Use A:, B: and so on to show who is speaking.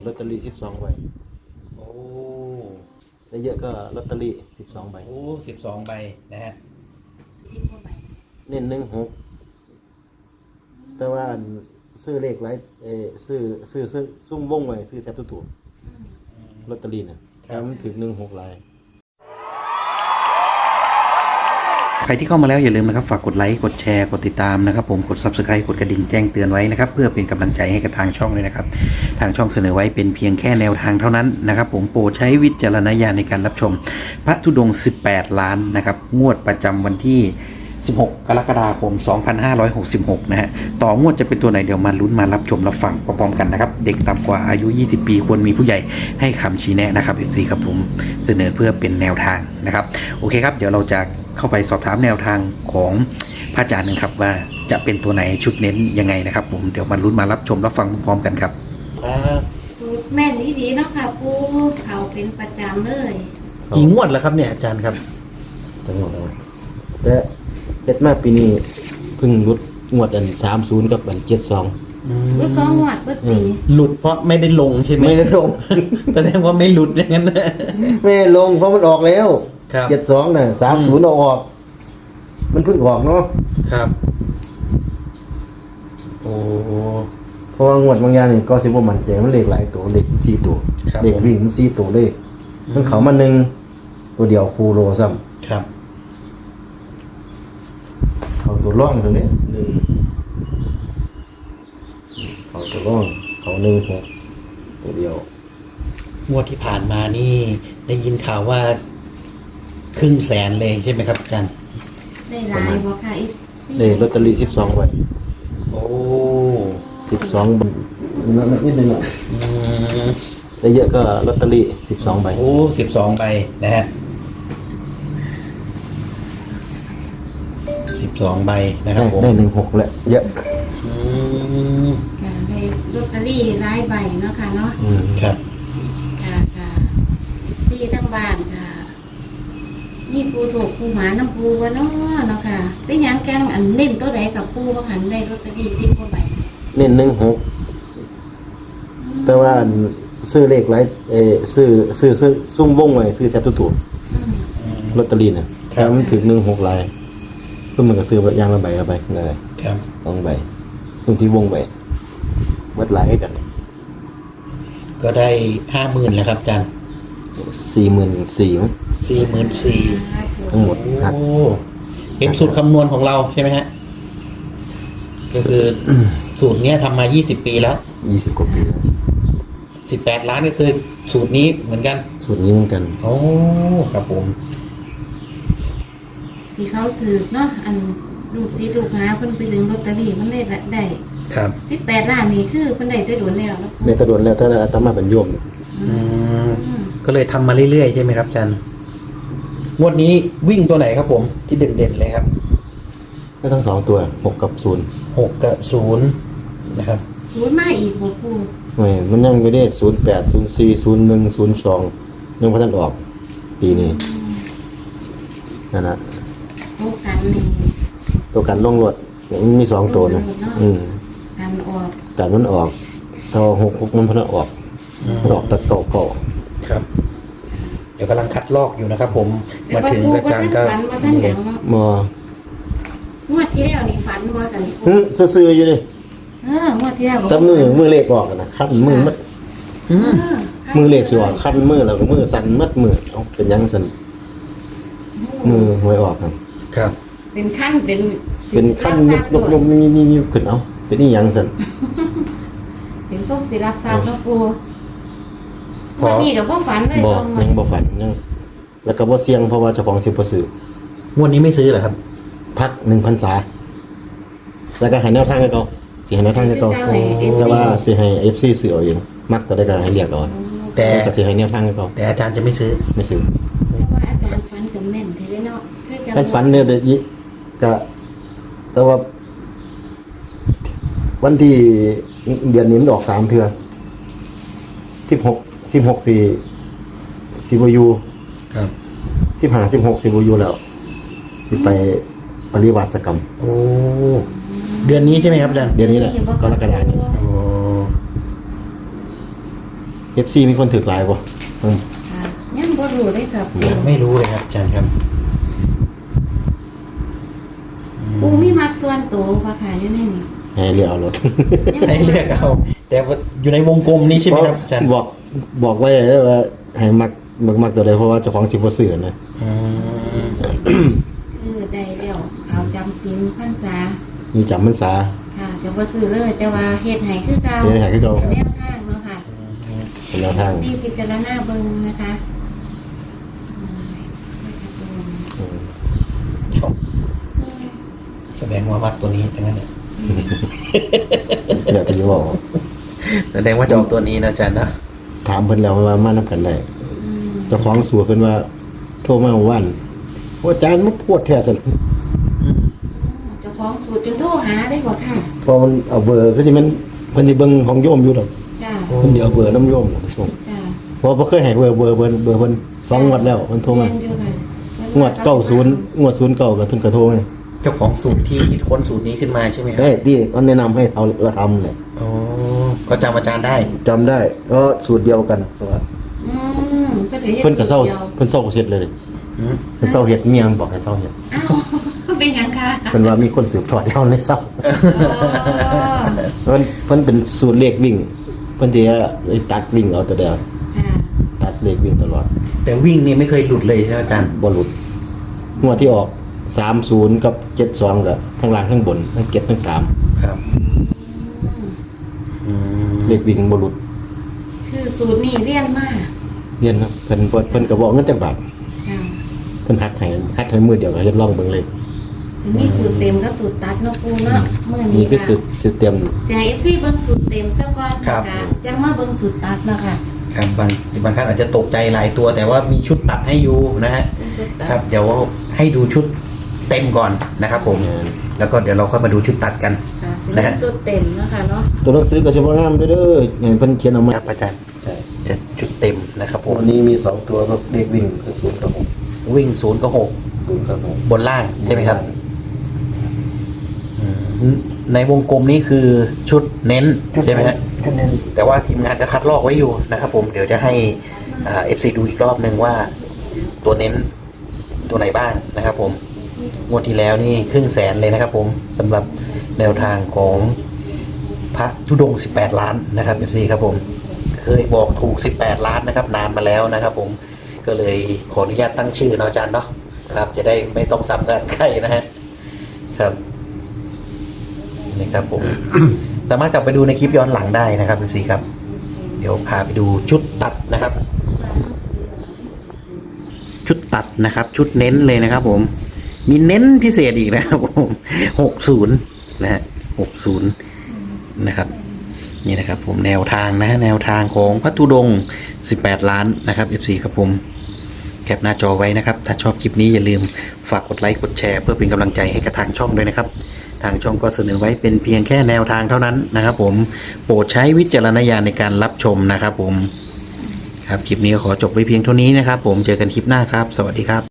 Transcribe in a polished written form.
A: ลอตเตอรี่12 ใบ
B: โอ้
A: ได้เยอะก็ลอตเตอรี่12 ใบ
B: โอ้12 ใบนะฮะ
C: 10 กว่าใบ
A: เน้น16แต่ว่าซื้อเลขหลายซื้อซุ่มวงไว้ซื้อแทบทุกตัวลอตเตอรี่น่ะถ้ามันถึง16ลาย
D: ใครที่เข้ามาแล้วอย่าลืมนะครับฝากกดไลค์กดแชร์กดติดตามนะครับผมกด Subscribe กดกระดิ่งแจ้งเตือนไว้นะครับเพื่อเป็นกำลังใจให้กับทางช่องเลยนะครับทางช่องเสนอไว้เป็นเพียงแค่แนวทางเท่านั้นนะครับผมโปรดใช้วิจารณญาณในการรับชมพระธุดงค์18 ล้านนะครับงวดประจำวันที่16 กรกฎาคม 2566นะฮะต่องวดจะเป็นตัวไหนเดี๋ยวมาลุ้นมารับชมรับฟังพร้อมๆกันนะครับเด็กต่ำกว่าอายุ20 ปีควรมีผู้ใหญ่ให้คำชี้แนะนะครับ FC ครับผมเสนอเพื่อเป็นแนวทางนะครับโอเคครับเดี๋ยวเราจะเข้าไปสอบถามแนวทางของพระอาจารย์นะครับว่าจะเป็นตัวไหนชุดเน้นยังไงนะครับผมเดี๋ยวมาลุ้นมารับชมรับฟังพร้อมๆกันครับ
C: สูตรแม่นดีๆเนาะค่ะปูเขาเป็นประจำเลย
B: กี่งวดแล้วครับเนี่ยอาจารย์ครับ
A: จังหวัดแต่เฮ็ดมาปีนี้เพิ่งลดงวดอัน30กับอัน72
C: รู้2 งวดเปิดปี
B: หลุดเพราะไม่ได้ลงใช่ไหม
A: ไม่ได้ลง
B: แสดงว่าไม่หลุดอย่างนั้นนะ
A: ไม่ลงเพราะมันออกแล้ว
B: ครับ
A: 72น่ะ30เอาออกมันเพิ่งออกเนาะ
B: ครับโอ้
A: เพราะว่างวดบางอย่างนี่ก็สิบ่มั่นใจมันเลขหลายตัวเลข4ตัวเลขวิ่งมัน4ตัวเลยมันเข้ามา1ตัวเดียวคูโรซ้ำ
B: ครับ
A: เขาตัวร่องตรงนี้เขาตัวร่องเขา16ตัวเดียว
B: งวดที่ผ่านมานี่ได้ยินข่าวว่าครึ่งแสนเลยใช่ไหมครับอาจารย์
C: ได้หลายบ่ค่ะอีก
A: ได้ลอตเตอรี่12 ใบ
B: โอ้
A: 12 ใบนิดนึงอ่ะได้เยอะก็ลอตเตอรี่12 ใบ
B: โอ้12 ใบนะฮะ12 ใบนะครับผม
A: ได้16แหละเยอะ
C: ค่ะได้ลอตเตอรี่หลายใบเนาะค่ะเนาะ
B: ครับ
C: ค่ะซี่ทั้งบ้านค่ะนี่ปูถูกปูหมาน้ำปูวะเนาะค่ะได้ยังแกงอันเน้นตัวใดกับปูว่าหันได้ลอตเตอรี่10 กว่าใบ
A: เน้น16แต่ว่าซื้อเลขหลายซื้อซุ่มวงไว้ซื้อแทบทุกตัวลอตเตอรี่น่ะถ้ามันถึง16ลายเพิ่นมันก็ซื้ออย่างละใบละใบเลย
B: ครับ
A: 2 ใบตรงที่วงไว้เบิดหลายกัน
B: ก็ได้ 50,000แล้วครับอาจารย์
A: 44,000มั้ง
B: 44,000
A: ทั้งหมดหัก
B: เป็นสูตรคำนวณของเราใช่ไหมฮะก็คือสูตรเนี้ยทำมา20 ปีแล้ว
A: 20 กว่าปีแล้ว
B: 18 ล้านก็คือสูตรนี้เหมือนกัน
A: สูตรนี้เหมือนกัน
B: โอ้ครับผม
C: ที่เขาถือเนาะอันลูกศิษย์ลูกหาเพิ่นไปดึงลอตเตอรี่มันได้
B: ครับ
C: 18 ล้านนี่คือเพิ่นได้แต่โดนแล้วเนาะ
A: ในตะโดนแล้วถ้าอาตมาเป็นโยม
B: ก็เลยทำมาเรื่อยๆใช่ไหมครับอาจารย์งวดนี้วิ่งตัวไหนครับผมที่เด่นๆเลยครับ
A: ก็ทั้ง2ตัว6 กับ 0
B: 6 กับ 0นะครับ
C: 0มาอีกบ่ปู
A: มันยังอยู่ได้08 04 01 02ยังบ่ทันออกปีนี้นั่นน่ะตัวกันลงรถมันมี2ตัวนะกันมันออกเท่า66มันเพิ่นออกตะโตะก็
B: ครับเดี๋ยวกำลังคัดลอกอยู่นะครับผมมาถึงอาจารย์ก็
A: ม
C: งวดที่แล้วนี่ฝันบ่ซั่น
A: ซื่อๆอยู่ดิ
C: งวดที่แล้ว
A: แต่มือเลขออกนะคันมือมัดมือเลขสิออกคันมือแล้วก็มือสั่นมัดมือเอาเป็นยังสั่นมือหวยออก
C: ครับเป็นขั้น
A: เป็นขั้นยกมีขึ้นเอาเป็นนี่ยังสั่น
C: เป็นส้มสิรับทราบแล้วปูวันนี้กับบ่ฝันเลย
A: ยังบ่ฝันยังแล้วก็บ่เสี่ยงเพราะว่าเจ้าของสิบ่ซื้
B: องวดนี้ไม่ซื้อเหรอครับ
A: พัก1 พรรษาแล้วก็ให้แนวทางให้เขาสิให้แนวทางให้เขาแต่ว่าสิให้ FC ซื้อเอาเองมักก็ได้ก็ให้เรียกเอาแต่ก็สิให้แนวทางให้เขา
B: แต่อาจารย์จะไม่ซื้อ
C: แต่ว่าอาจารย์ฝันกับแม่นแท้เลยเนาะ
A: ท่านฝันเนี่ยก็แต่ว่าวันที่เดือนนี้มันออก3 เทื่อ16สิบ่อยู่
B: ครับ
A: 15 16สิบ่อยู่แล้วสิไปปริวาสกรรม
B: โอ้เดือนนี้ใช่ไหมครับอาจารย์
A: เดือนนี้แหละกรกฎาคมนี้
B: โอ้
A: FC มีคนถือหลายบ่อืม
C: ค่ะยังบ่รู้เลยครับปู
B: ยังไม่รู้เลยครับอาจารย์ครับ
C: ปูมีมักส่วนตัวบ่ค่ะอยู่ในนี้
A: ให้เลือกเอารถ
C: ยัง
B: ให้เลือกเอาแต่ว่าอยู่ในวงกลมนี้ใช่ไหมครับอาจารย์
A: บอกไว้เลยว่าให้มักตัวใดเพราะว่าเจ้าของสิบ่ซื้อนะ
B: อืม
C: คือได้แล้วเขาจำศีลพรรษา
A: มีจำพรรษา
C: ค่ะจะบ่ซื้อเลย แต่ว่าเฮ็ดให้คือเก่า
A: เฮ็ดให้คือเก่า
C: แนวทางเนาะค่ะ
A: เป็นแนวทาง
C: ซีพิจารณาเบิ่งนะคะอืม
B: แสดงว่ามักตัวนี้ทั้งนั้นเนี่ย
A: เดี๋ยวจะบอก
B: แสดงว่าจะออกตัวนี้นะอาจารย์นะ
A: ถามเพิ่นแล้วว่ามานํกันได้
C: อืม
A: เจ้าของสัวเพิ่นว่าโทรมาเมื่อวานโอ้อาจารย์มันปวดแท้ซั่น
C: เจ้าของสูตรจนโทรหาได้บ่ค่ะ
A: พอมันเอาเบอร์ก็สิมันเพิ่นสิเบิ่งของโยมอยู่ดอก
C: จ้า
A: เพิ่นสิเอาเบอร์น้ำโยมน่ะส่ง
C: จ้า
A: เพราะบ่เคยให้เบอร์เพิ่น2งวดแล้วเพิ่นโทรมา
C: เรียนอยู่ค่ะ
A: งวด90งวด09ก็เพิ่นก็โทรมา
B: เจ้าของสูตรที่คิดค้นสูตรนี้ขึ้นมาใช่ไหมครั
A: ได้ที่เขาแนะนำให้เอาละทำแหละ
B: อ๋อก็จำอาจารย์ได้
A: จำได้ก็สูตรเดียวกันเพราะว่า
C: อืมก็เลย
A: เพิ่นก็เศร้า
C: ดียว
A: เพิ่นเศร้าเฮ็ดเลย
B: อืม
A: เพิ่นเศร้าเฮ็ดเมียมันบอกให้เศร้าเฮ็ด
C: อ้าวเป็นหยังคะ
A: เพิ่นว่ามีคนสืบทอดแล้วเลยเศร้า
C: อ๋อ
A: เพิ่นเป็นสูตรเลขวิ่งเพิ่นสิตัดวิ่งเอาแต่เดียว
C: ค่ะ
A: ตัดเลขวิ่งตลอด
B: แต่วิ่งนี่ไม่เคยหลุดเลยใช่ไหมอาจารย์
A: บ่หลุดงวดที่ออก30กับ72ก็ทั้งล่างทั้งบนทั้งเก็บทั้ง3
B: ครับ
C: อืม
A: เลขวิ่งบ่หลุด
C: คือสูตรนี้เรียนมา
A: เรียนครับเพิ่นก็บอกเงินจักบาท
C: ค่ะ
A: เพิ่นหัดให้มือเดียวก็เฮ็ดลองเบิ่งเลย
C: ถึงมีสูตรเต็มก็สูตรตัดเนาะปูเนาะเมื่อ
A: นี่
C: นี้
A: คือ
C: ค่ะ
A: สูตรเต็ม
C: เสีย FC เบิ่งสูตรเต็มซะก่อนนะคะจังมาเบิ่งสูตรตัดเนาะค่ะ
B: ครับบางท่านอาจจะตกใจหลายตัว แต่ว่ามีชุดตัดให้อยู่นะฮะ
C: เป็นสูตรตัด
B: ครับ เดี๋ยวให้ดูชุดเต็มก่อนนะครับผม แล้วก็เดี๋ยวเราค่อยมาดูชุดตัดกัน
C: ค่ะเป็นสูตรเต็มเนาะค่ะเนาะ
A: ตัวหนังสือก็สิบ่งามเด้อเห็นเพิ่นเขียนเอามา
B: ครับอาจารย์
A: ใช่
B: จะชุดเต็มนะครับผม
A: วันนี้มี2ตัวก็เลขวิ่งคือ0กับ6
B: วิ่ง0 กับ
A: 0กับ
B: 6บนล่างใช่ไหมครับในวงกลมนี้คือชุดเน้นใช่ไหมฮะ
A: คะแนน
B: แต่ว่าทีมงานก็คัดลอกไว้อยู่นะครับผมเดี๋ยวจะให้FC ดูอีกรอบหนึ่งว่าตัวเน้นตัวไหนบ้างนะครับผมงวดที่แล้วนี่500,000เลยนะครับผมสำหรับแนวทางของพระธุดงค์18 ล้านนะครับ FC ครับผมเคยบอกถูก18 ล้านนะครับนานมาแล้วนะครับผมก็เลยขออนุญาตตั้งชื่อเนาะอาจารย์เนาะครับจะได้ไม่ต้องซ้ำกันใครนะฮะครับนี่ครับผม สามารถกลับไปดูในคลิปย้อนหลังได้นะครับพี่ซีครับ เดี๋ยวพาไปดูชุดตัดนะครับ ชุดตัดนะครับ ชุดเน้นเลยนะครับ ผม มีเน้นพิเศษอีกนะครับผม60นะฮะ60นะครับ นี่นะครับ ผมแนวทางนะฮะแนวทางของพระธุดงค์18 ล้านนะครับ FC ครับผมแคปหน้าจอไว้นะครับ ถ้าชอบคลิปนี้อย่าลืมฝากกดไลค์กดแชร์เพื่อเป็นกำลังใจให้กับทางช่องด้วยนะครับ ทางช่องก็เสนอไว้เป็นเพียงแค่แนวทางเท่านั้นนะครับผมโปรดใช้วิจารณญาณในการรับชมนะครับผมครับคลิปนี้ก็ขอจบไว้เพียงเท่านี้นะครับผมเจอกันคลิปหน้าครับ สวัสดีครับ